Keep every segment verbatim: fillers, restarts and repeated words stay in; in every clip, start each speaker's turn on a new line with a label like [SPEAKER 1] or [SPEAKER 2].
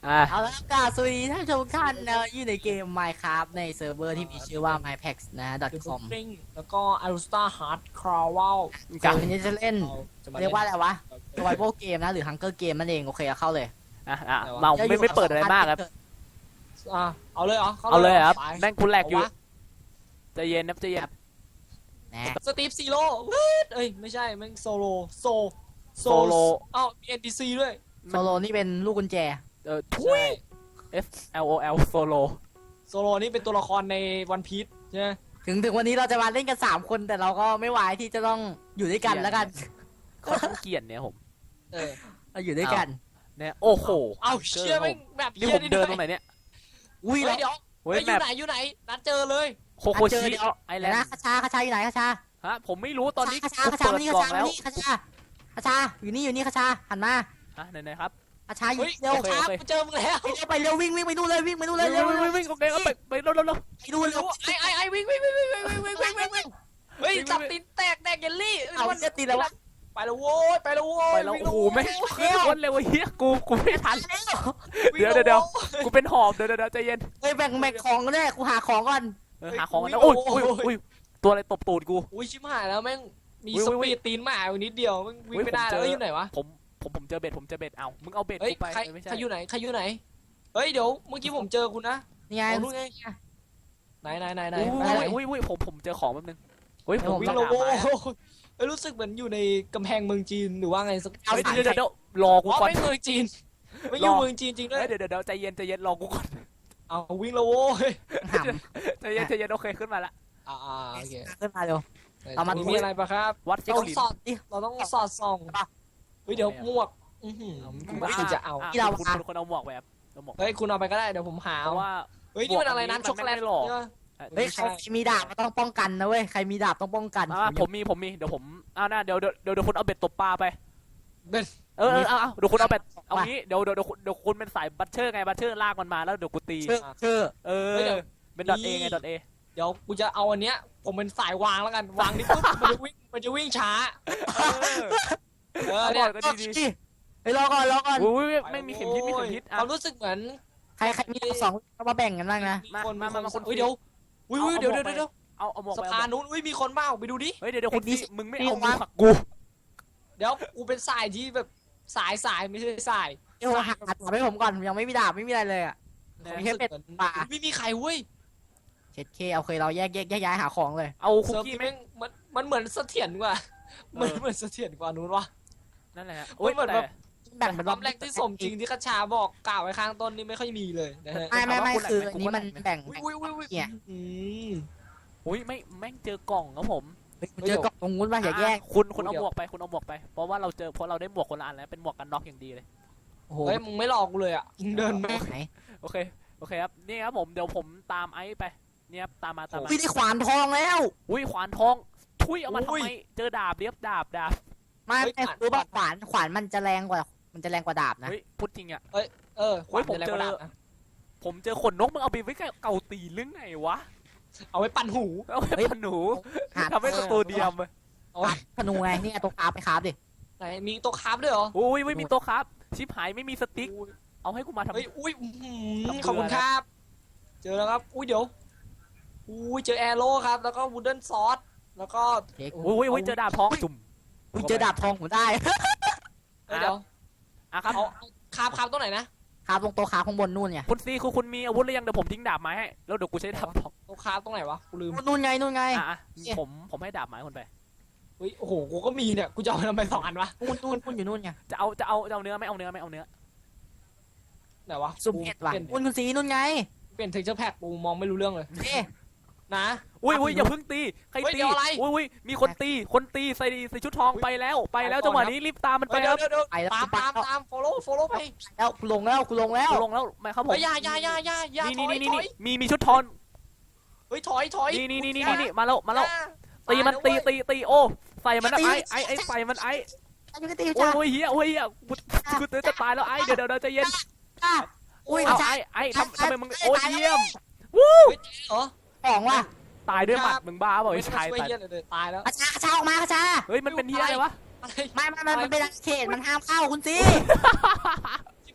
[SPEAKER 1] อ่า
[SPEAKER 2] เอาละครับกราบสวัสดีท่านผู้ชมทุกท่านนะอยู่ในเกม Minecraft ในเซิร์ฟเวอร์ที่มีชื่อว่า mypax นะ .com
[SPEAKER 3] แล้วก็อารูสตาฮาร์ดคราววล
[SPEAKER 2] ซึ่งวันนี้จะเล่นเรียกว่าอะไรวะ survival game นะหรือ hunger game นั่นเองโอเคเข้าเลย
[SPEAKER 1] อ่ะอ่ะเมาไม่ไม่เปิดอะไรมากครับ
[SPEAKER 3] อ่ะเอาเลยเหรอ
[SPEAKER 1] เอาเลยครับ
[SPEAKER 3] ไป
[SPEAKER 1] แม่งคุณแหลกอยู่ใจเย็นนะใจเย็น
[SPEAKER 2] นะ
[SPEAKER 3] สตีฟซีโร่เอ้ยไม่ใช่แม่งโซโลโซ
[SPEAKER 1] โซโล
[SPEAKER 3] เอ้ามี เอ็น พี ซี ด้วย
[SPEAKER 2] โซโลนี่เป็นลูกกุญแจ
[SPEAKER 1] เออทุย F L O L โซโล
[SPEAKER 3] โซโลนี่เป็นตัวละครในวันพีชใช่ไหม
[SPEAKER 2] ถึงถึงวันนี้เราจะมาเล่นกันสามคนแต่เราก็ไม่ไหวที่จะต้องอยู่ด้วยกันแล้วกัน
[SPEAKER 1] เขาต้องเกลียดเนี่ยผม
[SPEAKER 3] เออ
[SPEAKER 2] เราอยู่ด้วยกัน
[SPEAKER 1] เนี่ยโอ้โห
[SPEAKER 3] เอาเชื่อแม่งแบบ
[SPEAKER 1] นี่ผมเดินตรงไหนเนี่ย
[SPEAKER 2] อุ้ย
[SPEAKER 3] เฮ้ยเดี๋ยว
[SPEAKER 1] เฮ้ย
[SPEAKER 3] เฮ้ยอ
[SPEAKER 1] แม
[SPEAKER 3] ยู่
[SPEAKER 1] ป
[SPEAKER 3] ไหนอยู่ไหนนัดเจอเลย
[SPEAKER 1] โคโคชิไอแล
[SPEAKER 2] เดี๋ยวน นะ
[SPEAKER 1] ด์
[SPEAKER 2] คาชาคาชาอยู่ไหนคาชา
[SPEAKER 1] ฮะผมไม่รู้ตอนนี้
[SPEAKER 2] คาชา
[SPEAKER 1] กู
[SPEAKER 2] คาชา
[SPEAKER 1] เปิด
[SPEAKER 2] นี่
[SPEAKER 1] กล่อ
[SPEAKER 2] คาง ชา
[SPEAKER 1] แล้ว
[SPEAKER 2] นี่คาชาคาชาอยู่นี่อยู่นี่คาชาหันมา
[SPEAKER 1] ฮะไหนไหนครับ
[SPEAKER 2] คาชาอยู่
[SPEAKER 3] เฮ้ย
[SPEAKER 2] เร็ว
[SPEAKER 3] โอ
[SPEAKER 2] ค
[SPEAKER 3] เค
[SPEAKER 2] รับ
[SPEAKER 3] กูเจอมึงแล้ว
[SPEAKER 2] ไปเร็วไปเร็ววิ่งวิ่งไปนู่นเลยวิ่งไปนู่นเลยเร็ว
[SPEAKER 1] วิ่ง
[SPEAKER 2] เร็ว
[SPEAKER 1] วิ่งโอเคก็ไปไปเร็วเร็วเร็ว
[SPEAKER 2] ไปนู่นเร็ว
[SPEAKER 3] ไอ้ไอ้ไอ้วิ่งวิ่งวิ่งวิ่งวิ่งวิ่งวิ่งวิ่งวิ่งเฮ้ยจับตีนแตกแตกเยลลี่
[SPEAKER 2] เอาเจะตีแล้ววะ
[SPEAKER 3] ไปแล้วโว้ยไปแล้วโว้ย
[SPEAKER 1] ไปแล้วโอ้โหไม่
[SPEAKER 2] เร็ว
[SPEAKER 1] คนเร็วเฮียกูกูไม่ทัน
[SPEAKER 3] วิ่ง
[SPEAKER 1] เดี๋ยว
[SPEAKER 3] แล้
[SPEAKER 1] เดี๋ยว
[SPEAKER 3] โว้
[SPEAKER 1] กูเป็นหอบเดี๋ยวเดี๋ยวใจเย็น
[SPEAKER 2] เฮ้ยแบ่งแบ่งของกันเนี่ยกูหาของก่อน
[SPEAKER 1] เออหาของกันนะอุ้ยอุ้ยอุ้ยตัวอะไรตบตูดกู
[SPEAKER 3] อุ้ยชิบหายแล้วแม่งมี
[SPEAKER 1] อุ๊ย
[SPEAKER 3] ส
[SPEAKER 1] อุ๊ย
[SPEAKER 3] ปีดตีนหมาอยู่นิดเดียวแม่งวิ่ง
[SPEAKER 1] อุ๊ย
[SPEAKER 3] ไม่ได้
[SPEAKER 1] ผมเจอ
[SPEAKER 3] แล้วเอ้ยอยู่ไหนวะ
[SPEAKER 1] ผมผมผมเจอเบ็ดผมเจอเบ็ดเอามึงเอาเบ็ด
[SPEAKER 3] เฮ้ย
[SPEAKER 1] กูไป
[SPEAKER 3] ใคร
[SPEAKER 1] เออไม่ใช่
[SPEAKER 3] ใครอยู่ไหนใครอยู่ไหนเฮ้ยเดี๋ยวเมื่อกี้ผมเจอคุณนะ
[SPEAKER 2] นี่ไง
[SPEAKER 3] โอ้นู่นไงไหนไหนไหนไหน
[SPEAKER 1] อุ้
[SPEAKER 3] ไหน
[SPEAKER 1] ยอุ้ยอุ้ยผมผมเจอของแป๊บนึงเฮ้ยผม
[SPEAKER 3] วิ่ง
[SPEAKER 1] ต้
[SPEAKER 3] แล้
[SPEAKER 1] อ
[SPEAKER 3] ว
[SPEAKER 1] ง
[SPEAKER 3] โว้
[SPEAKER 1] หาไม้
[SPEAKER 3] ยเอ้ยรู้สึกเหมือนอยู่ในกำแพงเมืองจีนหรือว่าไงสัก
[SPEAKER 2] เอา
[SPEAKER 1] เฮ้ย
[SPEAKER 2] สาย
[SPEAKER 1] เดี๋ยวเดี๋ยวเดี๋ยวรอกู
[SPEAKER 3] อ๋อ
[SPEAKER 1] ก่อน
[SPEAKER 3] ไม่เมืองจีนไม่อยู่
[SPEAKER 1] รอ
[SPEAKER 3] เมืองจีนจริงด้วย
[SPEAKER 1] เฮ้ยเดี๋ยวเดี๋ยวเดี๋ยวใจเย็นใจเย็นรอกูก่อน
[SPEAKER 3] เอาวิ่งแล้วโว้ย
[SPEAKER 2] หำ
[SPEAKER 1] ใจเย็นใจเย็นโอเคขึ้นมาละ
[SPEAKER 3] อ่าอ่าโอเค
[SPEAKER 2] ขึ้นมาเร็ว เอามา
[SPEAKER 3] มีอะไรปะครับ
[SPEAKER 1] วัดซิ
[SPEAKER 3] เรา
[SPEAKER 1] ก
[SPEAKER 3] ต้อง
[SPEAKER 1] ลิน
[SPEAKER 3] สอดดิเราต้องสอดส่องเฮ้ยเดี๋ยวหมวกอื้อหือไม่จะเอา
[SPEAKER 1] ะคุณคุณคนเอาหมวกไปครับเอาหมวกไป
[SPEAKER 3] เฮ้ยคุณเอาไปก็ได้เดี๋ยวผมหา
[SPEAKER 1] เพราะว่า
[SPEAKER 3] เฮ้ยนี่มันอะไร
[SPEAKER 1] หมวกอันนี้
[SPEAKER 3] น้ำช็อกโกแลต
[SPEAKER 1] มันไม่ได้หรอก
[SPEAKER 3] ใช่ปะ
[SPEAKER 2] เฮ้ยใครมีดาบก็ต้องป้องกันนะเว้ยใครมีดาบต้องป้องกัน
[SPEAKER 1] อ่าผมมีผมมีเดี๋ยวผมอ่านะเดี๋ยวเดี๋ยวเดี๋ยวเดี๋ยวคุณเอาเบ็ดตบปลาไป
[SPEAKER 3] เบ็ด
[SPEAKER 1] เออเออเอาเอาเดี๋ยวคุณเอาเบ็ดเอางี้เดี๋ยวเดี๋ยวเดี๋ยวคุณเดี๋ยวคุณเป็นสายบัตเชอร์ไงบัตเชอร์ลากมันมาแล้วเดี๋ยวกูตี
[SPEAKER 2] ชื่อชื่อ
[SPEAKER 1] เออเป็นดอทเอไงดอทเอ
[SPEAKER 3] เดี๋ยวกูจะเอาอันเนี้ยผมเป็นสายวางแล้วกันวางนี่ปุ๊บมันจะวิ่งมันจะวิ่งช้าเออ
[SPEAKER 1] เอาบ
[SPEAKER 3] เนี่
[SPEAKER 1] อย กก็ดีดี
[SPEAKER 2] เฮ้ยรอก่อนรอก่อน
[SPEAKER 1] อุ้ยไม่มีเข็มทิศมีเข็มทิศ
[SPEAKER 3] ค
[SPEAKER 1] อ่ะ
[SPEAKER 3] วามรู้สึกเหมือน
[SPEAKER 2] ใครใครมีสองก็มาแบ่งกันบ้างนะ
[SPEAKER 1] มา
[SPEAKER 3] คน
[SPEAKER 1] มามามาคน
[SPEAKER 3] เฮ้ยเดี๋ยวอุ้ยอุ้ย
[SPEAKER 1] เอา
[SPEAKER 3] เดี๋ยว
[SPEAKER 1] เอา
[SPEAKER 3] เดี๋ยวเดี๋ยว
[SPEAKER 1] เอาเอาหมวก
[SPEAKER 3] สะ
[SPEAKER 1] ไป
[SPEAKER 3] พานนู้นอุ้ยมีคนเปล่าไปดูดิ
[SPEAKER 1] เฮ้ยเดี๋ยวเดี๋ยวคุณ
[SPEAKER 2] ไอ้
[SPEAKER 1] ตี
[SPEAKER 2] ดิ
[SPEAKER 1] มึงไม่
[SPEAKER 2] นี่
[SPEAKER 1] เอา
[SPEAKER 2] วะ
[SPEAKER 1] มือหักกู
[SPEAKER 3] เดี๋ยวกูเป็นสายที่แบบสายสายไม่ใช่สาย
[SPEAKER 2] เดี๋ยวหาดาบให้ผมก่อนยังไม่มีดาบไม่มีอะไรเลยอ่ะ มีแค่เป็ดปลา
[SPEAKER 3] ไม่มีใครเว้ย
[SPEAKER 2] เช็ดเคโอเคเราแยกแยกแยกย้ายหาของเลย
[SPEAKER 1] เอาคุก
[SPEAKER 3] เซิร์ฟ
[SPEAKER 1] กี้
[SPEAKER 3] ที่
[SPEAKER 1] ไหม
[SPEAKER 3] แม่งมันมันเหมือนเสถียรกว่า
[SPEAKER 1] เออ
[SPEAKER 3] มันเหมือนเสถียรกว่านู้นวะ
[SPEAKER 1] นั่นแหละ
[SPEAKER 3] โอ้ยเหมือนแบบ
[SPEAKER 2] แบ่งเป็น
[SPEAKER 3] ความแรงที่สมจริงที่คาชาบอกกล่าวไว้ข้างต้นนี่ไม่ค่อยมีเลยนะฮะ
[SPEAKER 2] ไม่ไม่ไม่คืออันนี้มันแบ่ง
[SPEAKER 3] อุ้ยอุ้ยอุ้ยอุ้ย
[SPEAKER 2] เนี่ย
[SPEAKER 3] อืม
[SPEAKER 1] อุ้ยไม่แม่งเจอกล่องครับผม
[SPEAKER 2] เจอกล่องตรงนู้นป่ะอย่าแยก
[SPEAKER 1] คุณคุณเอาหมวกไปคุณเอาหมวกไปเพราะว่าเราเจอเพราะเราได้หมวกคนละอันแล้วเป็นหมวกกันน็อกอย่างดีเลย
[SPEAKER 2] โอ้โห
[SPEAKER 3] เฮ้ยมึงไม่หลอกกูเลยอ่ะมึงเดินมา
[SPEAKER 2] ไหน
[SPEAKER 1] โอเคโอเคครับนี่ครับผมเดี๋ยวผมตามไอซ์ไปเนี่ยครับตามมาตามมา
[SPEAKER 2] พี่ได้ขวานทองแล้ว
[SPEAKER 1] อุ้ยขวานทองทุยเอามาทำไมเจอดาบเรียบดาบดาบ
[SPEAKER 2] ไม่ไม่รู้ป่ะขวานขวานมันจะแรงกว่ามันจะแรงกว่าดาบนะ
[SPEAKER 1] เฮ้ยพูดจริงอ่ะ
[SPEAKER 3] เออ
[SPEAKER 1] เฮ้ยผม
[SPEAKER 3] ขวาน
[SPEAKER 1] เจอ
[SPEAKER 3] ะไรก็ได้นะ
[SPEAKER 1] ผมเจอขนนกมึงเอาไปไว้เก่าตีหรือไงวะ
[SPEAKER 3] เอาไว้ปั่นหู
[SPEAKER 1] เอาไปพันหนู
[SPEAKER 2] หา
[SPEAKER 1] ทำให้สตูเดียม
[SPEAKER 3] เอาไว้
[SPEAKER 2] ธนูไงนี่ตัวคาบไปคาบดิ
[SPEAKER 3] ไหนมีตัวคราฟด้วยเหรอ
[SPEAKER 1] อุ้ยไม่มีโต๊ะครับ ชิปหายไม่มีสติ๊กเอาให้กูมาทำ
[SPEAKER 3] เฮ้ยอุ้ยอื้อหือ
[SPEAKER 1] ทำเบื่อ
[SPEAKER 3] ขอบคุณครับ เจอแล้วครับอุ้ยเดี๋ยวอุ้ยเจอแอโร่ครับ แล้วก็วูดเดิลซอสแล้วก็
[SPEAKER 2] เค้ก
[SPEAKER 1] อุ้ยอุ้ยเจอดาบทองจุ่ม
[SPEAKER 2] คุณเจอดาบทองผมได้
[SPEAKER 3] เอ้ยเดี๋ยว
[SPEAKER 1] อ่ะครับ
[SPEAKER 3] เอาเอาคราฟคราฟตัวไหนนะ
[SPEAKER 2] คาบตรงโต๊ะคาบข้างบนนู่นไง
[SPEAKER 1] คุณซีคือคุณมีอาวุธหรือยังเดี๋ยวผมทิ้งดาบไม้ให้แล้วเดี๋ยวกูใช้ดาบทอง
[SPEAKER 3] ตัวคราฟตรงไหนวะกูลืม
[SPEAKER 2] นู่นไงนู่นไง
[SPEAKER 1] อ่ะผมผมให้ดาบไม้คุณไป
[SPEAKER 3] เฮ้ยโอ้โหกูก็มีเนี่ยกูจะเอาทำไมสองอันวะ
[SPEAKER 2] นู่นนู่นนู่นอยู่นู่นไง
[SPEAKER 1] จะเอาจะเอาจะเอาเนื้อไม่เอาเนื้อไม่เอาเนื้อ
[SPEAKER 3] ไหนวะ
[SPEAKER 2] สุ่มเห็ดว่ะ
[SPEAKER 3] เปลี่ยน
[SPEAKER 2] นู่นคุณสีนู่นไง
[SPEAKER 3] เปลี่ยนเทคเจอร์แพ็กกูมองไม่รู้เรื่องเลย
[SPEAKER 2] เอ๊ะ
[SPEAKER 3] นะ
[SPEAKER 1] อุ้ยอุ้ยอย่าเพิ่งตีใคร
[SPEAKER 3] เฮ้ย
[SPEAKER 1] ตี
[SPEAKER 3] เดี๋ยวอะไร
[SPEAKER 1] อุ้ยอุ้ยมีคนตีคนตีใส่ใส่ชุดทองไปแล้วไปแล้วจังหวะนี้รีบตามมันไป
[SPEAKER 3] เฮ้ย
[SPEAKER 1] ค
[SPEAKER 3] เดี๋ย
[SPEAKER 1] รั
[SPEAKER 3] ว
[SPEAKER 1] บ
[SPEAKER 3] เดี๋ยวเดี๋ยว
[SPEAKER 2] ไปแล้ว
[SPEAKER 3] ตาม
[SPEAKER 2] ไป
[SPEAKER 3] ตาม
[SPEAKER 2] แล้ว
[SPEAKER 3] ตาม follow follow ไป
[SPEAKER 2] แล้วกูลงแล้วกูลงแล้ว
[SPEAKER 1] ลงแล้วไหมครับผม
[SPEAKER 3] เฮ้ยอย่าอย่าอย่าอย่าอย่า
[SPEAKER 1] นี่
[SPEAKER 3] ถ
[SPEAKER 1] นี่
[SPEAKER 3] อย
[SPEAKER 1] นี่
[SPEAKER 3] ถ
[SPEAKER 1] นี่
[SPEAKER 3] อย
[SPEAKER 1] มีมีชุดทอน
[SPEAKER 3] เฮ้ยถอยถอย
[SPEAKER 1] นี่นี่นี่นี่นี่มาแล้วมาแล้ว
[SPEAKER 3] อย่
[SPEAKER 1] ตีมันตีตีตีโอ้ใส่มันนะ
[SPEAKER 2] ตี
[SPEAKER 1] ไอ้ไอ้ไอ้ใส่มันไอ้
[SPEAKER 2] อายุกตี
[SPEAKER 1] โอ้
[SPEAKER 2] จ้าย
[SPEAKER 1] โอ้ยเฮียโอ้ยเฮียกูกูจะตายแล้วไอ้เดี๋ยวเดี๋ยวเดี๋ยวใจเย็น
[SPEAKER 2] จ้าอุ้ย
[SPEAKER 1] เอา
[SPEAKER 2] จ้า
[SPEAKER 1] ไอ้ไอ้ทำทำไมมึงโอ้ยเยี่ยม
[SPEAKER 3] เฮ้ยเหรอ
[SPEAKER 2] ของว่ะ
[SPEAKER 1] ตายด้วยหมัดมึงบ้าเปล่าไอ้ชาย
[SPEAKER 3] ช่วย
[SPEAKER 1] ตาย
[SPEAKER 3] เหี้ยเลยเดี๋ยวตายแล้ว
[SPEAKER 2] กระชากระชาออกมากระชา
[SPEAKER 1] เฮ้ยมันเป็นเฮียอะไรวะ
[SPEAKER 3] อะไร
[SPEAKER 2] ไม่ไม่ไม่มันเป็นเขตมันห้ามเข้าคุณสี
[SPEAKER 3] ชิบ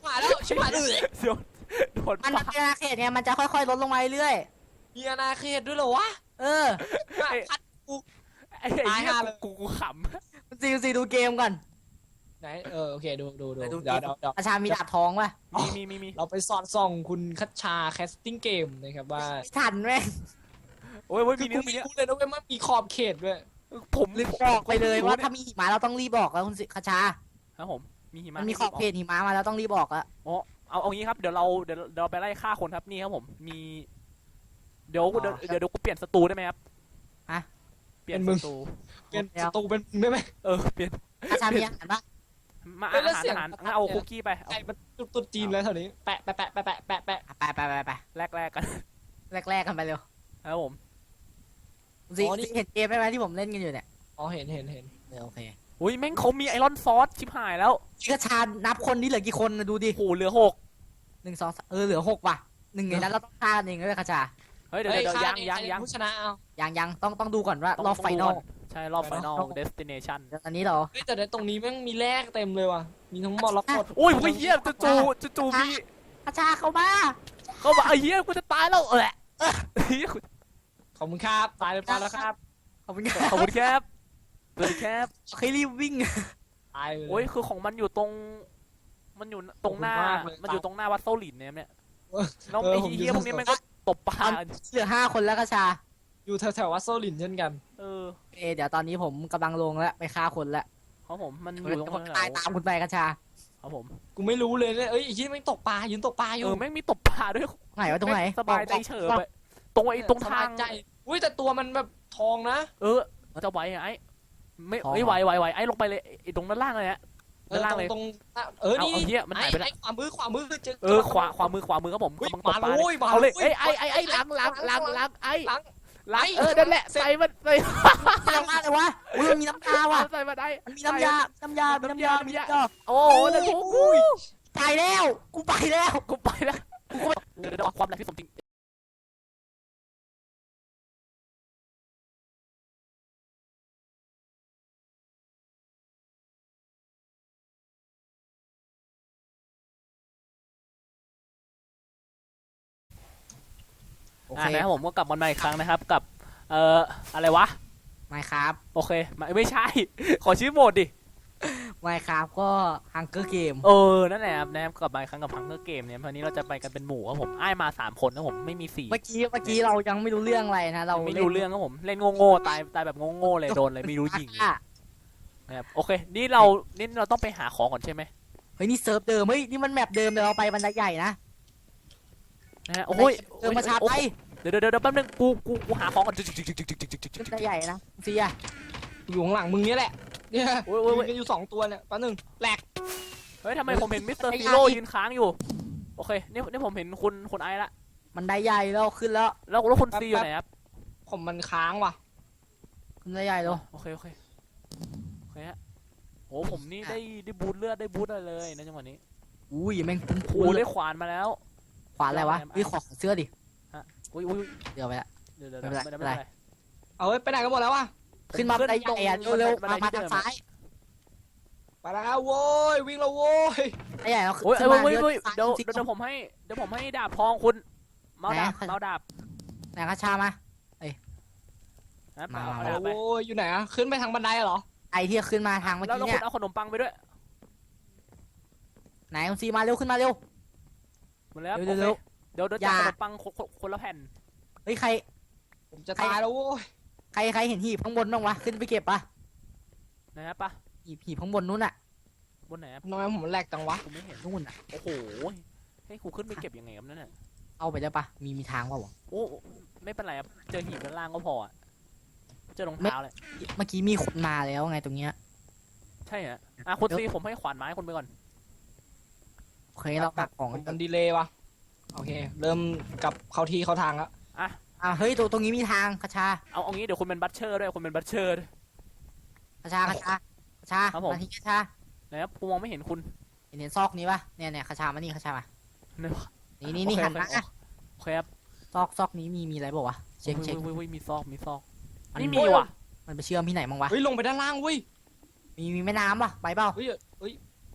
[SPEAKER 3] หายแล้วชิบหายเลย
[SPEAKER 1] เดี๋ยวโดน
[SPEAKER 2] มัน
[SPEAKER 1] ปา
[SPEAKER 2] เป็นอาณาเขตไงมันจะค่อยๆลดลงมาเรื่อย
[SPEAKER 3] มีอาณาเขตด้วยเหรอวะ
[SPEAKER 2] ๆเออ
[SPEAKER 3] พัดกู
[SPEAKER 1] ไอ้ไอ้
[SPEAKER 3] ตาย
[SPEAKER 1] เหี้ย
[SPEAKER 3] ห่าเลย
[SPEAKER 1] กูกูข
[SPEAKER 2] ซีซีดูเกมก่อน
[SPEAKER 3] ไหนเออโอเคดูดูดู
[SPEAKER 2] ไปดู
[SPEAKER 3] เดี๋ยวเดี๋ยวเดี๋ยว
[SPEAKER 2] อาชามีดาบทองป่ะ
[SPEAKER 1] ำมีมีมีมี
[SPEAKER 3] เราไปสอดส่องคุณคัชชาแคสติ้งเกมนะครับว่า
[SPEAKER 2] ไม่ทันแม่ง
[SPEAKER 1] โอ้ยโอ้ย
[SPEAKER 3] คื
[SPEAKER 1] มี
[SPEAKER 3] อ
[SPEAKER 1] เนื้
[SPEAKER 3] กู
[SPEAKER 1] อมี
[SPEAKER 3] ไม่
[SPEAKER 1] เนื้อ
[SPEAKER 3] รู้เลยนะเว้ยมันมีขอบเขตด้วย
[SPEAKER 1] ผม
[SPEAKER 2] ลืมบอกไปเลยว่าถ้ามีหิมะเราต้องรีบบอกแล้วคุณสิคชา
[SPEAKER 1] ครับผมมีหิมะ
[SPEAKER 2] มันมีขอบเขตหิมะมาแล้วต้องรีบบอกแล้ว
[SPEAKER 1] อ๋อเอาเอางี้ครับเดี๋ยวเราเดี๋ยวเดี๋ยวเราไปไล่ฆ่าคนครับนี่ครับผมมี เดี๋ยวเดี๋ยวเดี๋ยวเดี๋ยวกูเปลี่ยนศัตรูได้ไหมครับเปลี่ยนศัตรู
[SPEAKER 3] เป็นศัตรูเป็นได้ไหม
[SPEAKER 1] เออเปลี่ยน
[SPEAKER 2] อาชามีอาหารป่ะ
[SPEAKER 1] มา
[SPEAKER 3] เอ้
[SPEAKER 1] อาย
[SPEAKER 3] แล้ว
[SPEAKER 1] หาร
[SPEAKER 3] เสียง
[SPEAKER 1] อาหาร
[SPEAKER 3] ประทัด
[SPEAKER 1] งั้นเอา
[SPEAKER 3] เนี่ย
[SPEAKER 1] คุกกี้ไปเอา
[SPEAKER 3] ไอ้มันตุ๊ดตุ๊ดจีนแล้วแถวนี้แปะแปะแปะแปะแปะแปะแปะ
[SPEAKER 2] ไปไปไปไป
[SPEAKER 1] แลกแลกกัน
[SPEAKER 2] แรกๆกันไปเร็ว
[SPEAKER 1] ครับผม
[SPEAKER 2] ซีซีเห็นเกมไหมที่ผมเล่นกันอยู่เนี่ย
[SPEAKER 3] อ๋อเห็นเห็นเห็น
[SPEAKER 2] เออโอเค
[SPEAKER 1] อุ้ยแม่งเขามีไอรอนซอสชิบหายแล้ว
[SPEAKER 2] คชานับคนนี่เหลือกี่คนนะดูดิ
[SPEAKER 1] โหเหลือหก
[SPEAKER 2] หนึ่งสองสามเออเหลือหกว่ะหนึ่งในนั้นเราต้องฆ่ากันเองด้วยคชา
[SPEAKER 1] เฮ้ยเดี๋ยว
[SPEAKER 3] เฮ้ย
[SPEAKER 1] เดี๋ยว
[SPEAKER 3] ฆ่า
[SPEAKER 1] ยัง
[SPEAKER 3] เอง
[SPEAKER 1] ยัง
[SPEAKER 3] ใคร
[SPEAKER 1] ยัง
[SPEAKER 3] ผู้ชนะเอา
[SPEAKER 2] ยังยังต้องต้องดูก่อนว่า
[SPEAKER 1] ต้อง
[SPEAKER 2] รอบ
[SPEAKER 1] ต้
[SPEAKER 2] ไฟ
[SPEAKER 1] ง
[SPEAKER 2] น
[SPEAKER 1] ดู
[SPEAKER 2] อ
[SPEAKER 1] ก่
[SPEAKER 2] ล
[SPEAKER 1] ใช่รอบไฟนอล
[SPEAKER 2] ต้อง
[SPEAKER 1] เดสติเนชัน
[SPEAKER 2] เดี๋ยวตอนนี้เหรอ
[SPEAKER 3] เฮ้ยแต่ในตรงนี้แม่งมีแลกเต็มเลยว่ะมีทั้งหมดแล้วหมด
[SPEAKER 1] โอ้ยเฮียจะจูจะจูมี
[SPEAKER 2] คชาเข้ามา
[SPEAKER 1] เขาบอกไอ้เฮียกูจะตายแล้วเออเฮีย
[SPEAKER 3] ขอบคุณครับตายเรียบร้อยแล้วครับ
[SPEAKER 2] ขอบคุณค
[SPEAKER 1] ขอบคุณครับสวัสดีครับ
[SPEAKER 2] เคยรีบวิ่ง
[SPEAKER 3] ตายเลย
[SPEAKER 1] โอ้ยคือของมันอยู่ตรง มันอยู่ตรงหน้า
[SPEAKER 3] ขอบคุณมากเลย
[SPEAKER 1] มันอยู่ตรงหน้าวัดโซลินเนี่ยเนี่ย
[SPEAKER 3] เออ
[SPEAKER 1] น้อง
[SPEAKER 3] เออ
[SPEAKER 1] ไอ้
[SPEAKER 3] ผม
[SPEAKER 1] เฮีย
[SPEAKER 3] อยู่
[SPEAKER 1] พวกนี้มันก็ตบปลา
[SPEAKER 2] เหลือห้าคนแล้วคชา
[SPEAKER 3] อยู่แถวแถววัดโซลินเช่นกัน
[SPEAKER 1] เออ
[SPEAKER 2] เอเดี๋ยวตอนนี้ผมกำลังลงแล้วไปฆ่าคนแล้ว
[SPEAKER 1] เขาผมมันอ
[SPEAKER 2] เดี๋
[SPEAKER 1] ยู่
[SPEAKER 2] ยว
[SPEAKER 1] ตรง
[SPEAKER 2] ผม
[SPEAKER 1] นั้น
[SPEAKER 2] ตายตามคุณไปคชา
[SPEAKER 1] ครับผม
[SPEAKER 3] กูไม่รู้เลยเนี่ยเอ้ยไอ้ยี่แม่งตกปลายืนตกปลาอ
[SPEAKER 1] เอยู่ อแม่งมีตบปลาด้วย
[SPEAKER 2] ไหนวะตรงไหน
[SPEAKER 1] สบายใจเฉยไปตรงไอ้ตรงทาง
[SPEAKER 3] สบยใจอุ้ยแต่ตัวมันแบบทองนะ
[SPEAKER 1] เออจะไหวไอ้ไม่ไม่ไหวไหวไหวไอ้ลงไปเลยไอ้ตรงด้านล่างเลยฮะ
[SPEAKER 3] เอ
[SPEAKER 1] ด้า
[SPEAKER 3] อน
[SPEAKER 1] ล่าง
[SPEAKER 3] ตร
[SPEAKER 1] เล
[SPEAKER 3] ง
[SPEAKER 1] ย
[SPEAKER 3] ตรงเออนี่
[SPEAKER 1] เอาเหี้ยมันหายไปแล้ว
[SPEAKER 3] อ้อ้ขวามือขวามือเจอ
[SPEAKER 1] เออขวาขวามือขวามือครับผม
[SPEAKER 3] อุ๊ย
[SPEAKER 1] กำลังตบปลา
[SPEAKER 3] มาเลย
[SPEAKER 1] เนี่ย
[SPEAKER 3] มา
[SPEAKER 1] เอาเลย
[SPEAKER 3] เลย
[SPEAKER 1] เอ้ยไอ้ไอ้ไอ้หลังหลังหลังหลังไอ้
[SPEAKER 3] หลัง
[SPEAKER 1] หลังเออนั่นแหละใส่มันใส่
[SPEAKER 2] เร็วมากเลยวะอุ้ยมันมีน้ำตาว่ะ
[SPEAKER 1] ใส่มันไอ้
[SPEAKER 2] มันมีน้ำยา น้ำยา น้ำยา มีน้ำยา
[SPEAKER 1] โอ้โหแล้วกูกู
[SPEAKER 2] ตายแล้ว กูไปแล้ว
[SPEAKER 1] กูไปแล้วกูเดี๋ยวเดี๋ยวความแรงที่สมจริงอ่านะครับผมก็กลับมาใหม่อีกครั้งนะครับกับเอ่ออะไรวะ
[SPEAKER 2] ไม่ครับ
[SPEAKER 1] โอเคไม่ไม่ใช่ ขอชื่อโหมดดิ
[SPEAKER 2] ไม่ครับก็ฮังเกอร์เกม
[SPEAKER 1] เออ นั่นแหละครับนะครับกลับมาอีกครั้งกับพังเกอร์เกมเนี่ยวันนี้เราจะไปกันเป็นหมู่ครับผมอ้ายมาสามคนนะผมไม่มีสี่
[SPEAKER 2] เมื่อกี้ เมื่อกี้เรายังไม่รู้เรื่องอะไรนะ เรา
[SPEAKER 1] ไม่รู้เรื่องครับผมเล่นโง่ๆตายตายแบบโง่ๆเลยโดนเลยไม่รู้ยิง
[SPEAKER 2] อ่ะ
[SPEAKER 1] นะครับโอเค นี่เรานี่เราต้องไปหาของก่อนใช่ไหม
[SPEAKER 2] เฮ้ยนี่เซิร์ฟเดิม เฮ้ยนี่มันแมปเดิมเดี๋ยวเราไปบันไดใหญ่นะ
[SPEAKER 1] นะฮะโอ้ย
[SPEAKER 2] เดิมมาชาร์จไป
[SPEAKER 1] เดี๋ยวเดี๋ยวเดี๋ยวแป๊บนึงกูกูกูหาของก่อนจึ๊กจึ๊กจึ๊กจึ๊กจึ๊กจึ๊กจึ๊กจึ๊ก
[SPEAKER 2] บันไดใหญ่นะเสีย
[SPEAKER 3] อยู่ข้างหลังมึงเนี่ยแหละเนี่ย
[SPEAKER 1] โอ้ยโอ้ยโอ้ย
[SPEAKER 3] ยืนกันอยู่สองตัวเนี่ยแป๊บนึงแหลก
[SPEAKER 1] เฮ้ยทำไมผมเห็นมิสเตอร์ซีโร่ยืนค้างอยู่โอเคนี่นี่ผมเห็นคุณคุณไอซ์ละ
[SPEAKER 2] บันไดใหญ่แล้วขึ้นแล้ว
[SPEAKER 1] แล้วแล้วคุณซีอยู่ไหนครับ
[SPEAKER 3] ผมมันค้างว่ะ
[SPEAKER 2] ขึ้นบันไดใหญ่แล้ว
[SPEAKER 1] โอเคโอเคโอเคฮะโอ้ผมนี่ได้ได้บูทเลือดได้บูทอะไรเลยนะจังหวะนี้
[SPEAKER 2] อุ้ยแม่งคุ้ม
[SPEAKER 1] โอ้
[SPEAKER 2] คุ้
[SPEAKER 1] ได้ขวานมาแล้ว
[SPEAKER 2] ขวานอะไรวะเฮ้ยขอเสื้อดิ
[SPEAKER 1] อุ้ยอุ้ย
[SPEAKER 2] เดี๋ยวไปละ
[SPEAKER 1] เดี๋ยวเดี๋ยว
[SPEAKER 2] ไม่
[SPEAKER 1] เดี๋ยว
[SPEAKER 2] เป็นไร
[SPEAKER 1] ไม่ได้ไม่เป็นไร
[SPEAKER 3] เอาเว้ยไปไหนกันหมดแล้ววะ
[SPEAKER 2] ขึ้นมาบันไดใหญ่อะเร็วๆมามาทางซ้าย
[SPEAKER 3] ไปแล้วโว้ยวิ่งแล้วโว้ย
[SPEAKER 2] ไอ้ใหญ่เรา
[SPEAKER 1] โอ้ย
[SPEAKER 2] ขึ้น
[SPEAKER 1] เอ้ย
[SPEAKER 2] มา
[SPEAKER 1] เว้ย
[SPEAKER 2] เรื่
[SPEAKER 1] เว้ย
[SPEAKER 2] อยๆ
[SPEAKER 1] เดี๋ยว
[SPEAKER 2] ซ้า
[SPEAKER 1] เดี๋ยวเดี๋ยวผมให้เดี๋ยวผมให้ดาบทองคุณเมาส์ดาบ
[SPEAKER 2] ไหน
[SPEAKER 1] เมาส์ดาบ
[SPEAKER 2] ไหนกระชามา
[SPEAKER 1] นะ
[SPEAKER 2] มา
[SPEAKER 1] เอา
[SPEAKER 3] โอ้
[SPEAKER 1] ดาบไป
[SPEAKER 3] โหอยู่ไหนอะขึ้นไปทางบันไดเหรอ
[SPEAKER 2] ไอที่ขึ้นมาทางเมื่อ
[SPEAKER 1] แล้ว
[SPEAKER 2] กี้
[SPEAKER 1] แล้ว
[SPEAKER 2] เนี่
[SPEAKER 1] คุ
[SPEAKER 2] ย
[SPEAKER 1] ณเอาขนมปังไปด้วย
[SPEAKER 2] ไหนคุณซีมาเร็วขึ้นมาเร็ว
[SPEAKER 1] หมดแล้ว
[SPEAKER 2] เร็
[SPEAKER 1] โอ
[SPEAKER 2] ว
[SPEAKER 1] เค
[SPEAKER 2] เร็ว
[SPEAKER 1] เดี๋ยวเดี๋ยว
[SPEAKER 2] อย่า
[SPEAKER 1] จัดขนมปังคนคนคนละแผ่น
[SPEAKER 2] เฮ้ยใคร
[SPEAKER 3] ผมจะตายแล้วโว้ย
[SPEAKER 2] ใครใครเห็นหีบข้างบนบ้างวะขึ้นไปเก็บปะ
[SPEAKER 1] นะครับปะ
[SPEAKER 2] หีบหีบข้างบนนู้นอะ
[SPEAKER 1] บนไหนอะ
[SPEAKER 3] ทำไมผมแหลกจังวะ
[SPEAKER 1] กูไม่เห็น
[SPEAKER 2] นู่นอะ
[SPEAKER 1] โอ้โหให้กูขึ้นไปเก็บยังไงครับนั่นน่ะ
[SPEAKER 2] เอาไปได้ปะมีมีทางปะวะ
[SPEAKER 1] โอ้ไม่เป็นไรครับเจอหีบด้านล่างก็พออะเจอรองเท้าเลย
[SPEAKER 2] เมื่อกี้มีคนมาแล้วไงตรงเนี้ย
[SPEAKER 1] ใช่ฮะอ่ะคุณซีผมให้ขวานไม้คุณไปก่อน
[SPEAKER 2] โอเคเราตักของ
[SPEAKER 3] มันดีเลย์วะโอเค เริ่มกลับเข้าที่เข้าทางแล้ว
[SPEAKER 2] อ่ะเฮ้ยตรงตรงนี้มีทางกระชา
[SPEAKER 1] เอาเอางี้เดี๋ยวคุณเป็นบัตเชอร์ด้วยคุณเป็นบัตเชอร์
[SPEAKER 2] กระชากระชากระชา
[SPEAKER 1] ครับผม
[SPEAKER 2] มาที่กระชา
[SPEAKER 1] นะครับกูมองไม่เห็นคุณ
[SPEAKER 2] เห็นเห็นซอกนี้ปะเนี่ยเนี่ยกระชามานี่กระชามา
[SPEAKER 1] เนี่ย
[SPEAKER 2] นี่นี่นี่
[SPEAKER 1] โอเค
[SPEAKER 2] หันมา
[SPEAKER 1] โอเคครับ
[SPEAKER 2] ซอกซอกนี้มีมีอะไรบอกวะเช็คเช็ค
[SPEAKER 1] เว้ยเว้ยเว้ยมีซอกมีซอก
[SPEAKER 2] มัน
[SPEAKER 1] นี่มีว่ะ
[SPEAKER 2] มันไปเชื่อมที่ไหนบ้างวะ
[SPEAKER 3] เฮ้ยลงไปด้านล่างเว้ย
[SPEAKER 2] มีมีแม่น้ำปะไปเปล่า
[SPEAKER 3] เฮ้ยเฮ้ย
[SPEAKER 1] โ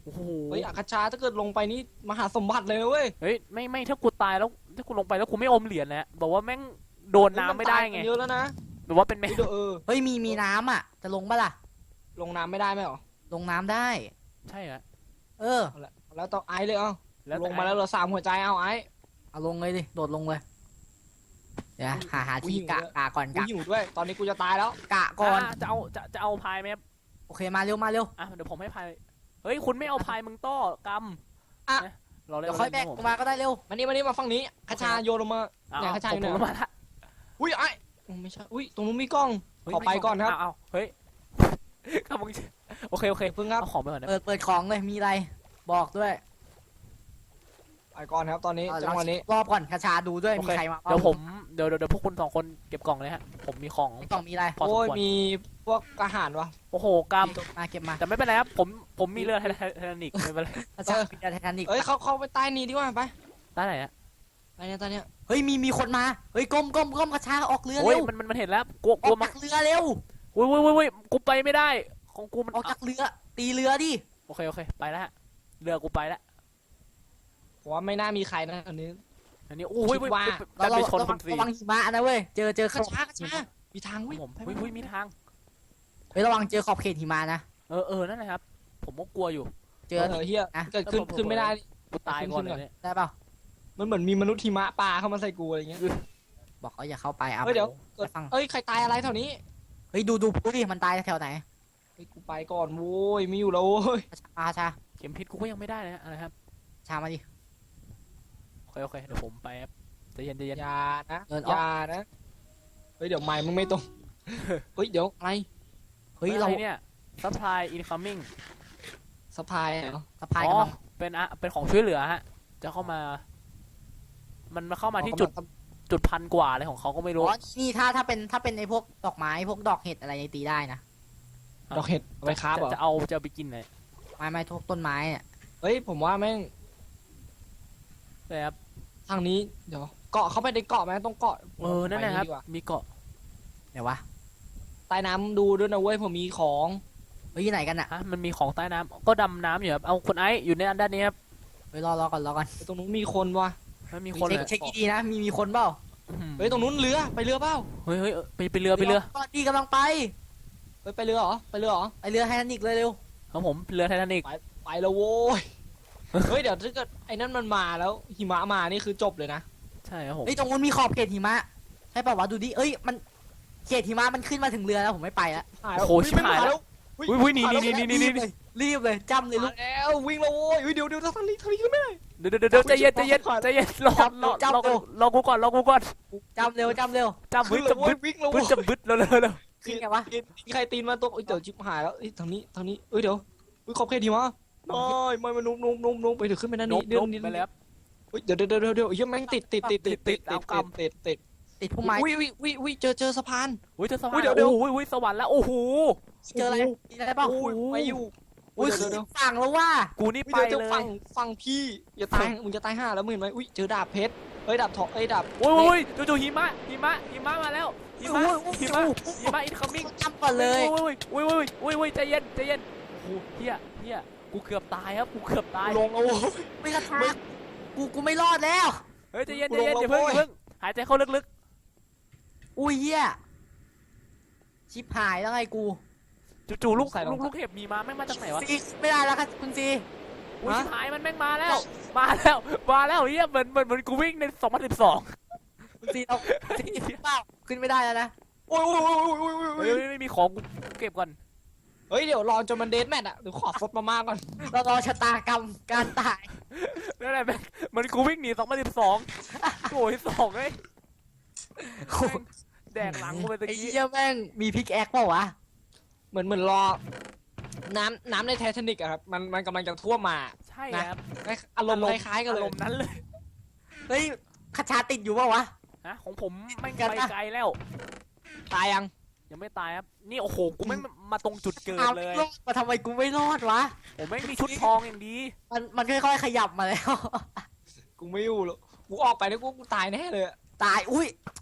[SPEAKER 1] โอ้โห
[SPEAKER 3] เฮ้ยอาคาชาถ้าเกิดลงไปนี่มหาสมบัติเลยเว้ย
[SPEAKER 1] เฮ้ยไม่ไม่ถ้ากูตายแล้วถ้ากูลงไปแล้วกูไม่อมเหรียญนะบอกว่าแม่งโดนน้ำไม่ได้ไง
[SPEAKER 3] เยอะแล้วนะ
[SPEAKER 1] แบบว่าเป็นแม่
[SPEAKER 3] เดี๋ยวเออ
[SPEAKER 2] เฮ้ยมีมีน้ำอ่ะจะลงปะล่ะ
[SPEAKER 3] ลงน้ำไม่ได้ไหมหรอ
[SPEAKER 2] ลงน้ำได้
[SPEAKER 1] ใช่ฮะ
[SPEAKER 2] เออ
[SPEAKER 3] เอาละแล้วต้องไอซ์เลยเอา
[SPEAKER 1] แล้ว
[SPEAKER 3] ลงมาแล้วเหลือสามหัวใจเอาไอซ์
[SPEAKER 2] เอาลงเลยดิโดดลงเลยเดี๋ยวหาหา
[SPEAKER 3] อุ๊ย
[SPEAKER 2] ที่
[SPEAKER 3] หิว
[SPEAKER 2] กะ
[SPEAKER 3] เลย
[SPEAKER 2] กะก่อน
[SPEAKER 3] กู
[SPEAKER 2] กะ
[SPEAKER 3] หิวด้วย ตอนนี้กูจะตายแล้ว
[SPEAKER 2] กะก่อน
[SPEAKER 1] อ่ะจะเอาจะจะเอาพายไหมครับ
[SPEAKER 2] โอเคมาเร็วมาเร็ว
[SPEAKER 1] อ่ะเดี๋ยวผมให้พายเฮ้ยคุณไม่เอาพายมึงต้อกำ
[SPEAKER 2] อ่ะ
[SPEAKER 1] นะเราเล่น
[SPEAKER 2] เดี๋ยวค่อยแบก
[SPEAKER 1] ผม
[SPEAKER 2] ลงมาก็ได้เร็ว
[SPEAKER 3] มานี่มานี่มาฝั่งนี้คาชาโยนลงมา
[SPEAKER 1] เอา
[SPEAKER 3] เนี่ย
[SPEAKER 1] เอา
[SPEAKER 3] ข้าชาย
[SPEAKER 1] ผม
[SPEAKER 3] อยู่ไหน
[SPEAKER 1] ผมมาละ
[SPEAKER 3] อุ้ยไอซ์อืมไม่ใช่อุ้ยตรงนู้นมีกล้อง
[SPEAKER 1] เฮ้ย
[SPEAKER 3] ขอไปก่อนครับ
[SPEAKER 1] เอาเอาเฮ้ย ครับมึงโอเคโอเค
[SPEAKER 3] เพิ่งครับ
[SPEAKER 1] เอาของไปก่อนนะ
[SPEAKER 2] เปิดเปิดของเลยมีอะไรบอกด้วย
[SPEAKER 3] ไปก่อนครับตอนนี้
[SPEAKER 2] เอา
[SPEAKER 3] จังหวะนี้
[SPEAKER 2] รอบก่อนคาชาดูด้วย
[SPEAKER 1] โอ
[SPEAKER 2] มี
[SPEAKER 1] เค
[SPEAKER 2] ใครมา
[SPEAKER 1] เดี๋ยวผมเดี๋ยวเดี๋ยวเดี๋ยวพวกคุณสองคนเก็บกล่องเลยฮะผมมีของ
[SPEAKER 2] ในกล่องมีอะไร
[SPEAKER 1] พอสม
[SPEAKER 3] โอ้ย
[SPEAKER 1] ควร
[SPEAKER 3] มีพวกอาหารวะ
[SPEAKER 1] โอ้โหกรรม
[SPEAKER 2] มาเก็บมา
[SPEAKER 1] แต่ไม่เป็นไรครับผมผมมีเรือไทไททานิกไม่เป็นไร
[SPEAKER 2] คาชามีไททานิก
[SPEAKER 3] เอ้ยเขาเขาไปใต้นี้ดีกว่าไป
[SPEAKER 1] ได้ไหนอะ
[SPEAKER 3] ใต้เนี้ยใต้เนี้ย
[SPEAKER 2] เฮ้ยมีมีคนมาเฮ้ยก้มก้มก้มคาชาออกเรือ
[SPEAKER 1] โอ้ย
[SPEAKER 2] เร็ว
[SPEAKER 1] มันมันมันเห็นแล้วกลัวก
[SPEAKER 2] อ
[SPEAKER 1] ลั
[SPEAKER 2] อ
[SPEAKER 1] ว
[SPEAKER 2] ก
[SPEAKER 1] มัน
[SPEAKER 2] จากเรือเร็ว
[SPEAKER 1] โอ้ยโอ้ยโอ้ยโอ้ยกูไปไม่ได้ของกูมัน
[SPEAKER 2] ออกจากเรือ ตีเรือดิ
[SPEAKER 1] โอเคโอเคไปแล้วฮะเรือกูไปแล้ว
[SPEAKER 3] ผมว่าไม่น่ามีใครนะอันนี้
[SPEAKER 1] อันนี้โอ้ย
[SPEAKER 3] คิดว่า
[SPEAKER 1] ดัน
[SPEAKER 2] เรา
[SPEAKER 1] ไปชน
[SPEAKER 2] ระ
[SPEAKER 1] ค
[SPEAKER 2] วัง
[SPEAKER 1] นฟรี
[SPEAKER 2] ระวังหิมะนะเว้ยเจอเจอ
[SPEAKER 3] คา
[SPEAKER 2] ขอบ
[SPEAKER 3] ชาคาชามีทาง
[SPEAKER 1] ผ
[SPEAKER 3] วิ่
[SPEAKER 1] ม
[SPEAKER 3] ง
[SPEAKER 1] ผม
[SPEAKER 3] ไป
[SPEAKER 1] เฮ้ยเฮ้ยมีทาง
[SPEAKER 2] เฮ้ยระวังเจอขอบเขตหิมะนะ
[SPEAKER 1] เออเออนั่นแหละครับ ผมก็กลัวอยู่
[SPEAKER 2] เจ
[SPEAKER 3] เจ
[SPEAKER 2] อ
[SPEAKER 3] อเออเฮีย
[SPEAKER 2] นะ
[SPEAKER 3] เกิดขึ้นขึ้นไม่ได้
[SPEAKER 1] กูตายก่อนเลยเนี่ย
[SPEAKER 2] ได้เปล่า
[SPEAKER 3] มันเหมือนมีมนุษย์หิมะปลาเข้ามาใส่กูอะไรเงี้ย
[SPEAKER 2] บอกเขาอย่าเข้าไปอ่ะ
[SPEAKER 3] เฮ้ยเดี๋ยว
[SPEAKER 2] ไปฟัง
[SPEAKER 3] เอ้ยใครตายอะไรแถวนี้
[SPEAKER 2] เฮ้ยดูดูดูดิมันตายแถวไหน
[SPEAKER 3] เฮ้ยกูไปก่อนโว้ยไม่อยู่แล้วโว้ย
[SPEAKER 2] คาชาคาชา
[SPEAKER 1] เข็มพิษกูก็ยังไม่ได้เลยฮะอะไรครับ
[SPEAKER 2] ชามาดิ
[SPEAKER 1] โอเคโอเคเดี๋ยวผมไปครับใจเย็นใจเย็น
[SPEAKER 3] อย่านะ
[SPEAKER 2] เดินอ
[SPEAKER 3] อ
[SPEAKER 2] อก
[SPEAKER 3] ย่านะเฮ้ยเดี๋ยวไม้มึงไม่ตรงเฮ้ยเดี๋ยวอะไร
[SPEAKER 2] เฮ้ยเรา
[SPEAKER 1] อะไรเนี่ย supply incoming
[SPEAKER 3] สะพายเหรอ
[SPEAKER 2] สะพาย
[SPEAKER 1] อ๋
[SPEAKER 2] กำ
[SPEAKER 1] อ
[SPEAKER 2] ลัง
[SPEAKER 1] เป็นอะเป็นของช่วยเหลือฮะ จะเข้ามา มันมาเข้ามาที่จุดจุดพันกว่าอะไรของเขาก็ไม่รู้
[SPEAKER 2] อ๋อนี่ถ้าถ้าเป็นถ้าเป็นไอ้พวกดอกไม้พวกดอกเห็ดอะไรยังตีได้นะ
[SPEAKER 3] ดอกเห็ดเอาไปค้าบเหรอ
[SPEAKER 1] จะจะเอาจะเอาไปกินเลย
[SPEAKER 2] ไม้ไม้ทุกต้นไม้เนี่ย
[SPEAKER 3] เฮ้ยผมว่าแม่ง
[SPEAKER 1] เลยครับ
[SPEAKER 3] ทางนี้เดี๋ยวเกาะเข้าไปในเกาะไหมต้องเกาะ
[SPEAKER 1] เออนั่นแหละครับ
[SPEAKER 3] ไปดีกว่า
[SPEAKER 1] มีเกาะ
[SPEAKER 2] เดี๋ยววะ
[SPEAKER 3] ใต้น้ำดูด้วยนะเว้ยผมมีของ
[SPEAKER 2] เฮ้ยอยู่ไหนกันอ่ะ
[SPEAKER 1] ฮะมันมีของใต้น้ำก็ดำน้ำอยู่ครับเอาคนไอซ์อยู่ในด้านนี้ครับ
[SPEAKER 2] เฮ้ยรอรอก่อนรอก่อน
[SPEAKER 3] ตรงนู้นมีคนวะ
[SPEAKER 1] มันมีคน
[SPEAKER 2] เช็
[SPEAKER 1] เล
[SPEAKER 2] ค
[SPEAKER 1] ย
[SPEAKER 2] เช็คดีๆนะมีมีคนเปล่า
[SPEAKER 1] อื้อหือ
[SPEAKER 3] เฮ้ยตรงนู้นเรือไปเรือเปล่า
[SPEAKER 1] เฮ้ยเฮ้ยเออไปไปเรือไปเรือ
[SPEAKER 2] ก่อนดีกำลังไป
[SPEAKER 3] เฮ้ยไปเรือเหรอไปเรือเหรอ
[SPEAKER 2] ไปเรือไททานิกเลยเร็ว
[SPEAKER 1] ครับผมเรือไททานิก
[SPEAKER 3] ไปแล้วโว้ยเฮ้ยเดี๋ยวถ้าเกิดไอ้นั่นมันมาแล้วหิมะมานี่คือจบเลยนะ
[SPEAKER 1] ใช่ครับผม
[SPEAKER 2] เฮ้ยตรงนู้นมีขอบเขตหิมะใช่ป่าวะดูดิเอ้ยมันเขตหิมะมันขึ้นมาถึงเรือแล้วผมไม่ไปแล้ว
[SPEAKER 3] หายแล้ว
[SPEAKER 1] โอ้โหชิบหายแล้ว
[SPEAKER 3] เฮ้
[SPEAKER 1] อุ้ยอุ้ยนี่นี่นี่นี่
[SPEAKER 2] รี
[SPEAKER 1] นี่
[SPEAKER 2] บเลยรีบเลยจำเลยลู
[SPEAKER 3] มาก แล้ววิ่งแล้วโว้ยเฮ้ยเดี๋ยวเดี๋ยวทางนี้ทางนี้ขึ้นไม่ได้
[SPEAKER 1] เดี๋ยวเดี๋ยวเดี๋ยวใจเย็นใจเย็นใจเย็นรอรอรอกูรอกูก่อนรอกูก่อน
[SPEAKER 2] จำเร็วจำเร็ว
[SPEAKER 1] จำบึ้ดจะบึ้ด
[SPEAKER 3] วิ่งแล้ว
[SPEAKER 1] บึ้
[SPEAKER 3] โว้
[SPEAKER 1] ด
[SPEAKER 3] ย
[SPEAKER 1] จะบึ้ดเร็วเร็วเร็ว
[SPEAKER 2] ขึ้นไงวะ
[SPEAKER 3] ตีนใครตีนมาตกเอ้ยเดี๋ยวชิบหายแล้วเอ้ยทางนี้ทางนี้เอ้ยเดี๋ยวเฮ้ยขอบเขตหิมะไม่ไม่ไม่นุ่มนุ่มนุ่มนุ่มไปถึงขึ้นไปนั่น
[SPEAKER 1] น
[SPEAKER 3] นี่
[SPEAKER 1] บ
[SPEAKER 3] เดี๋ยวน
[SPEAKER 1] บ
[SPEAKER 3] นี่
[SPEAKER 1] ไปแล้ว
[SPEAKER 3] เฮ้ยเดี๋ยวเดี๋ยวเดี๋ยวเดี๋ยวเฮ้ยแม่งติดติดติดติดติดติดติดติดติด
[SPEAKER 2] ติดพุ่มไม้
[SPEAKER 3] วิวิวิวิเจอเจอสะพาน
[SPEAKER 1] อุ้ยเจอสวรร
[SPEAKER 3] อุ้ย
[SPEAKER 1] ค์
[SPEAKER 3] เดี๋ยวเดี๋ยว
[SPEAKER 1] โอ้โหสวรรค์แล้วโอ้โห
[SPEAKER 2] เจออะไรมีอะไรเปล่า
[SPEAKER 3] โอ้ยไม่อยู่
[SPEAKER 2] อุ้ย
[SPEAKER 3] เดี๋ยวเดี๋ยว
[SPEAKER 2] ฝั่งแล้วว่า
[SPEAKER 1] กูนี่ไป
[SPEAKER 3] เดี๋ยว
[SPEAKER 1] เล
[SPEAKER 3] ฟั
[SPEAKER 1] ย
[SPEAKER 3] งฟังพี่อย่าตายมึงจะตายห่าแล้วมึงเห็นไหมอุ้ยเจอดาบเพชรเฮ้ยดาบทองเอ้ยดาบ
[SPEAKER 1] โอ้ยโอ้ยจู่ๆหิมะหิมะหิมะมาแล้วหิมะหิมะหิมะอินคัมมิ่ง
[SPEAKER 2] จำก่อนเลย
[SPEAKER 1] โอ้ยโอ้ยโอ้ยโอ้ยโอ้ยใจเย็นใจเย็นโอ้โหเฮียเฮียกูเกือบตายครับกูเกือบตาย
[SPEAKER 3] ลงเอา
[SPEAKER 2] ไม่กระทากกูกูไม่รอดแล้ว
[SPEAKER 1] เฮ้ยใจเย็น
[SPEAKER 3] กู
[SPEAKER 1] ใจ
[SPEAKER 3] ลง
[SPEAKER 1] เย็นอย่าเพิ่ง
[SPEAKER 3] แล้ว
[SPEAKER 1] อย่าเพิ่งหายใจเข้าลึก
[SPEAKER 2] อุ้ยเหี้ยชิบหายแล้วไงกู
[SPEAKER 1] ๆจู่ๆลูกลูกลูกเห็บมีมาแม่งมาจากไหนวะ
[SPEAKER 2] ซีไม่ได้แล้วครับคุณซี
[SPEAKER 1] อุ้ยชิบหายมันแม่งมาแล้ว มาแล้วมาแล้วเฮียเหมือนเหมือนเหมือนกูวิ่งในสองพันสิบสอง
[SPEAKER 2] คุณซีเราซีเปล่าขึ้นไม่ได้แล้วนะ
[SPEAKER 3] โอ้ยโอ้ยโอ้ยโอ้ยโอ้ย
[SPEAKER 1] เฮ้ยไม่มีของกูเก็บก่อน
[SPEAKER 3] เฮ้ยเดี๋ยวรอจนมันเดทแมทอ่ะเดี๋ยวขอฟดมาม่าก่อน
[SPEAKER 2] เรารอชะตากรรมการตาย
[SPEAKER 1] นั่นแหละแม่งเหมือนกูวิ่งหนีสองพันสิบสองโอ้ยสองเอ้ยแม่งแดกหลังกูไปตะ
[SPEAKER 2] ไอ้
[SPEAKER 1] กี้
[SPEAKER 2] เหี้ยแม่งมีพิกแอคเปล่าวะ
[SPEAKER 3] เหมือนเหมือนรอ น้ำน้ำในไททานิกอะครับมันมันกำลังจะท่วมมา
[SPEAKER 1] ใช่ครับ
[SPEAKER 3] อารมณ์คล้ายๆกัน
[SPEAKER 1] อา
[SPEAKER 3] เล
[SPEAKER 1] ร
[SPEAKER 3] ย
[SPEAKER 1] มณ์นั้นเลย
[SPEAKER 2] เฮ้ยคาชาติดอยู่เปล่าวะ
[SPEAKER 1] ฮะของผมแม่ง
[SPEAKER 2] กัน
[SPEAKER 1] ไป
[SPEAKER 2] นะ
[SPEAKER 1] ไกลแล้ว
[SPEAKER 3] ตายยัง
[SPEAKER 1] ยังไม่ตายครับ นี่โอ้โห กูไม่งมาตรงจุดเกิด
[SPEAKER 2] เอา
[SPEAKER 1] เลย
[SPEAKER 2] รอดมาทำไมกูไม่รอดวะ
[SPEAKER 1] ผมไม่งมีชุดทองอย่างดี
[SPEAKER 2] มันมันค่อยๆขยับมาแล้ว
[SPEAKER 3] กูไม่อยู่หรอกกูออกไปแล้วกูกูตายแน่เลยอะ
[SPEAKER 2] ตายอุ้ย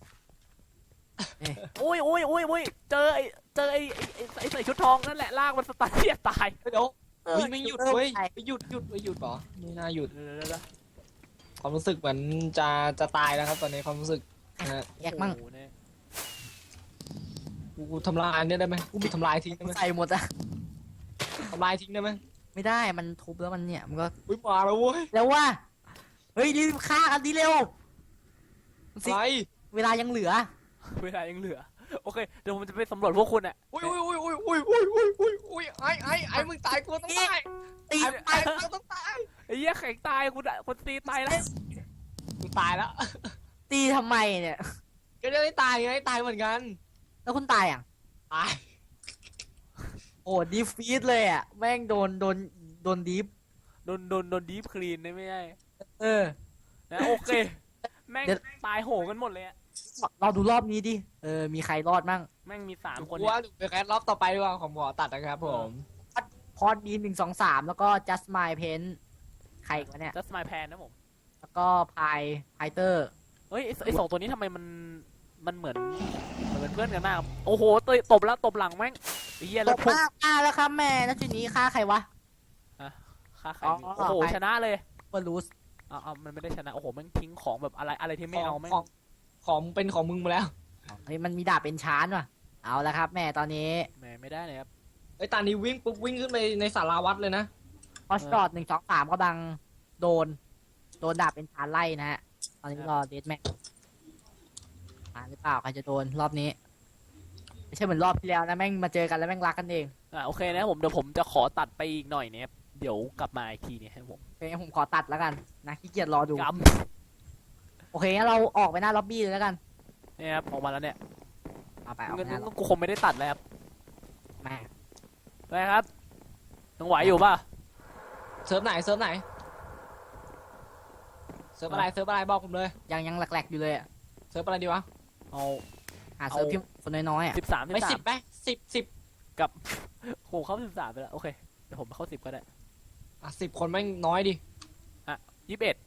[SPEAKER 1] โอ้ยโอ้ยโอ้ยโอ้ยเจอไอ้เจอไอ้ไอ้ไอ้ไอ้ใส่ชุดทองนั่นแหละลากมันสตาร์ทที่จะตาย
[SPEAKER 3] เดี๋ยวเฮ้ยไม่หยุดเว้ยไม่หยุดหยุดไม่หยุดเหรอไม่น่าหยุด
[SPEAKER 1] เดี๋ยวเดี๋ยวเดี๋ยว
[SPEAKER 3] ความรู้สึกเหมือนจะจะตายแล้วครับตอนนี้ความรู้สึกนะฮะ
[SPEAKER 2] แยกมั่ง
[SPEAKER 1] โอ้โหเนี่ย
[SPEAKER 3] กูกูทำลายเนี่ยได้ไหมกูทำลายทิ้งได้ไหม
[SPEAKER 2] ใส่หมดอะ
[SPEAKER 3] ทำลายทิ้งได้ไหม
[SPEAKER 2] ไม่ได้มันทุบแล้วมันเนี่ยมันก็
[SPEAKER 3] อุ้ยมาแล้วเว้ย
[SPEAKER 2] แล้วว่าเฮ้ยรีบฆ่ากันดีเร็วสิ
[SPEAKER 3] อะไร
[SPEAKER 2] เวลายังเหลือ
[SPEAKER 1] เวลายังเหลือโอเคเดี๋ยวผมจะไปสำรวจพวกคุณอ่ะ
[SPEAKER 3] อุ้ยอุ้ยอุ้ยอุ้ยอุ้ยอุ้ยอุ้ยอุ้ยอุ้ยไอ้ไอ้ไอ้มึงตายกูต้องตาย
[SPEAKER 2] ตี
[SPEAKER 3] ไอ้ไอ้กูต้องตาย
[SPEAKER 1] ไอ้เหี้ยแข็งตายกูอะคนตีตายแล้ว
[SPEAKER 3] กูตายแล้ว
[SPEAKER 2] ตีทำไมเนี่ย
[SPEAKER 3] ก็จะได้ตายไงตายเหมือนกัน
[SPEAKER 2] แล้วคุณตายอ่ะ
[SPEAKER 3] ตาย
[SPEAKER 2] โอ้ดีฟีดเลยอ่ะแม่งโดนโดนโดนดีฟ
[SPEAKER 1] โดนโดนโดนดีฟคลีนได้ไม่ได้
[SPEAKER 2] เออ
[SPEAKER 1] นะโอเคแม่ง
[SPEAKER 2] เดี๋ยว
[SPEAKER 1] ตายโหงกันหมดเลยอะ
[SPEAKER 2] เราดูรอบนี้ดิเออมีใครรอดมั่ง
[SPEAKER 1] แม่งมีสาม
[SPEAKER 3] กู
[SPEAKER 1] คน
[SPEAKER 3] ว่า
[SPEAKER 1] เนี่ย
[SPEAKER 3] เดี๋ยวไปแคสรอบต่อไปดีกว่าของหมอตัดนะครับผม
[SPEAKER 2] พอดบีนหนึ่งสองสามแล้วก็ just my pen ใครอีกวะเนี่ย
[SPEAKER 1] จัสมายแพนนะผม
[SPEAKER 2] แล้วก็พายพายเตอร์
[SPEAKER 1] เฮ้ยไอ้ไอสองตัวนี้ทำไมมันมันเหมือนเหมือนเพื่อนกันมากครับโอ้โหตยตบแล้วตบหลังแม่งไอ้เหี้ย
[SPEAKER 2] ต
[SPEAKER 1] แล้ว
[SPEAKER 2] บ
[SPEAKER 1] พุ่ง
[SPEAKER 2] มากอ่ะแล้วครับแม่แล้วทีนี้ฆ่าใครวะ
[SPEAKER 1] ฆ่าใคร
[SPEAKER 2] อ๋อ
[SPEAKER 1] มีโอ้โห
[SPEAKER 2] ไป
[SPEAKER 1] ชนะเลย
[SPEAKER 2] เปิดรูส
[SPEAKER 1] เอาเอามันไม่ได้ชนะโอ้โหแม่งทิ้งของแบบอะไรอะไรที่ไม่เอาแม่ง
[SPEAKER 3] ของของเป็นของมึงมาแล้ว
[SPEAKER 2] เฮ้ยมันมีดาบเป็นชานว่ะเอาละครับแม่ตอนนี้
[SPEAKER 1] แหมไม่ได้เลยครับ
[SPEAKER 3] ไอ้ตานี้วิ่งปุ๊บวิ่งขึ้นไปในศาลาวัดเลยนะ
[SPEAKER 2] พอสจอดหนึ่งสองสามกำลังโดน โดนดาบเป็นชานไล่นะฮะ ตอนนี้รอเดสแม็กมาหรือเปล่าใครจะโดนรอบนี้ ไม่ใช่เหมือนรอบที่แล้วนะแม่งมาเจอกันแล้วแม่งรักกันเอง
[SPEAKER 1] อ่าโอเคนะครับผมเดี๋ยวผมจะขอตัดไปอีกหน่อยเนี่ยครับเดี๋ยวกลับมาอีกทีเนี่ยครับผม
[SPEAKER 2] โอเคงั้นผมขอตัดแล้วกันนะขี้เกียจรอดู
[SPEAKER 1] ก
[SPEAKER 2] โอเคงั้นเราออกไปหน้าล็อบบี้เลยแล้วกัน
[SPEAKER 1] ำเนี่ยครับออกมาแล้วเนี่ย
[SPEAKER 2] เอาไปออก
[SPEAKER 1] งั้
[SPEAKER 2] ไปหน้าน ล็อบ
[SPEAKER 1] กูคงไม่ได้ตัดแล้วครับ
[SPEAKER 2] แม่
[SPEAKER 1] ไปครับยังไหวอยู่ป่ะ
[SPEAKER 3] เซิร์ฟไหนเซิร์ฟไหนเซิร์ฟอะไรเซิร์ฟอะไรบอกผมเลย
[SPEAKER 2] ยังยังแหลกๆอยู่เลยอะ
[SPEAKER 3] เซิร์ฟอะไรดีวะ
[SPEAKER 1] เอา
[SPEAKER 2] หาเซิร์ฟที่คนน้อยๆอ่ะ
[SPEAKER 1] สิบสามสิ
[SPEAKER 3] ไม่
[SPEAKER 1] บสา
[SPEAKER 3] สิ
[SPEAKER 1] ม
[SPEAKER 3] บไหมสิบสิบ
[SPEAKER 1] โหเข้าสิบสามไปแล้วโอเคเดี๋ยวผมเข้าสิบก็ได้
[SPEAKER 3] อ่ะสิบคนแม่งน้อยดิ
[SPEAKER 1] ยี่สิบเอ็ด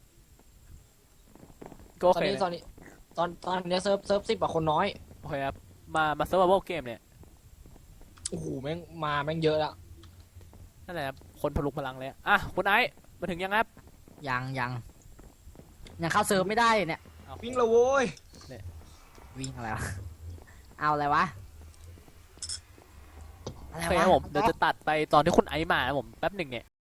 [SPEAKER 1] ก็
[SPEAKER 3] ต
[SPEAKER 1] โอ
[SPEAKER 3] อน
[SPEAKER 1] เค
[SPEAKER 3] นี้ตอนนี้ตอนตอนนี้เซิร์ฟเซิร์ฟสิบกว่าคนน้อย
[SPEAKER 1] โอเคครับมามาเซิร์ฟเวอร์เกมเนี่ย
[SPEAKER 3] โอ้โหแม่งมาแม่งเยอะแล้ว
[SPEAKER 1] นั่นแหละครับคนพลุกพลังเลยอะอ่ะคุณไอซ์มาถึงยังครับ
[SPEAKER 2] ยังยังยังเข้าเซิร์ฟไม่ได้เลยเนี่ย
[SPEAKER 1] เอา
[SPEAKER 3] วิ่งและโว้ย
[SPEAKER 2] วิ่งอะไรวะ เอาอะไรวะ อะไร
[SPEAKER 1] โอเคคว
[SPEAKER 2] ะ
[SPEAKER 1] รับผมเดี๋ยวจะตัดไปตอนที่คุณไอซ์มานะผมแป๊บหนึ่งเนี่ย